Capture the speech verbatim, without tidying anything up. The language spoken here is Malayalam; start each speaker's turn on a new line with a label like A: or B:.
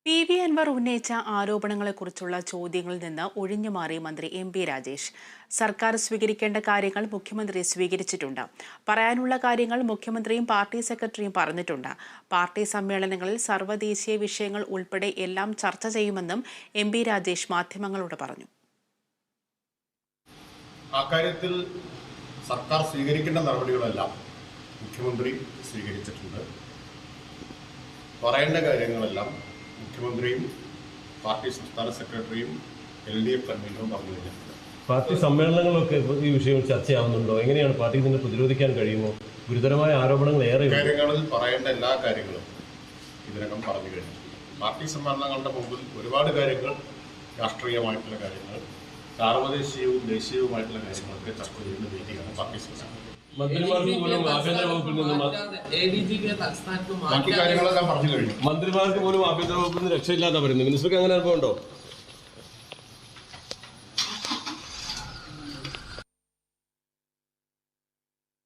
A: പി വി അൻവർ ഉന്നയിച്ച ആരോപണങ്ങളെക്കുറിച്ചുള്ള ചോദ്യങ്ങളിൽ നിന്ന് ഒഴിഞ്ഞുമാറി മന്ത്രി എം പി രാജേഷ്. സർക്കാർ സ്വീകരിക്കേണ്ട കാര്യങ്ങൾ മുഖ്യമന്ത്രി സ്വീകരിച്ചിട്ടുണ്ട്. പറയാനുള്ള കാര്യങ്ങൾ മുഖ്യമന്ത്രിയും പാർട്ടി സെക്രട്ടറിയും പറഞ്ഞിട്ടുണ്ട്. പാർട്ടി സമ്മേളനങ്ങളിൽ സർവ്വദേശീയ വിഷയങ്ങൾ ഉൾപ്പെടെ എല്ലാം ചർച്ച ചെയ്യുമെന്നും എം പി രാജേഷ് മാധ്യമങ്ങളോട് പറഞ്ഞു.
B: അക്കാര്യത്തിൽ സർക്കാർ സ്വീകരിക്കേണ്ട നടപടികളെല്ലാം മുഖ്യമന്ത്രി സ്വീകരിച്ചിട്ടുണ്ട്. പറയേണ്ട കാര്യങ്ങളെല്ലാം മുഖ്യമന്ത്രിയും പാർട്ടി സംസ്ഥാന സെക്രട്ടറിയും എൽ ഡി എഫ് കൺവീനറും പറഞ്ഞു കഴിഞ്ഞിട്ടുണ്ട്.
C: പാർട്ടി സമ്മേളനങ്ങളൊക്കെ ഈ വിഷയം ചർച്ചയാവുന്നുണ്ടോ? എങ്ങനെയാണ് പാർട്ടിക്ക് ഇതിനെ പ്രതിരോധിക്കാൻ കഴിയുമോ? ഗുരുതരമായ ആരോപണങ്ങൾ ഏറെ
B: കാര്യങ്ങളിൽ പറയേണ്ട എല്ലാ കാര്യങ്ങളും ഇതിനകം പറഞ്ഞു കഴിഞ്ഞിട്ടുണ്ട്. പാർട്ടി സമ്മേളനങ്ങളുടെ മുമ്പിൽ ഒരുപാട് കാര്യങ്ങൾ, രാഷ്ട്രീയമായിട്ടുള്ള കാര്യങ്ങൾ, സാർവദേശീയവും ദേശീയവുമായിട്ടുള്ള കാര്യങ്ങളൊക്കെ ചർച്ച ചെയ്യുന്ന വേദിയാണ് പാർട്ടി സമ്മേളനം.
C: മന്ത്രിമാർക്ക് പോലും ആഭ്യന്തര വകുപ്പിൽ നിന്ന്
B: ബാക്കി കാര്യങ്ങളെല്ലാം പറഞ്ഞു കഴിഞ്ഞു.
C: മന്ത്രിമാർക്ക് പോലും ആഭ്യന്തര വകുപ്പിൽ നിന്ന് രക്ഷയില്ലാതെ പറയുന്നു. മിനിസ്റ്റർക്ക് അങ്ങനെ അനുഭവം ഉണ്ടോ?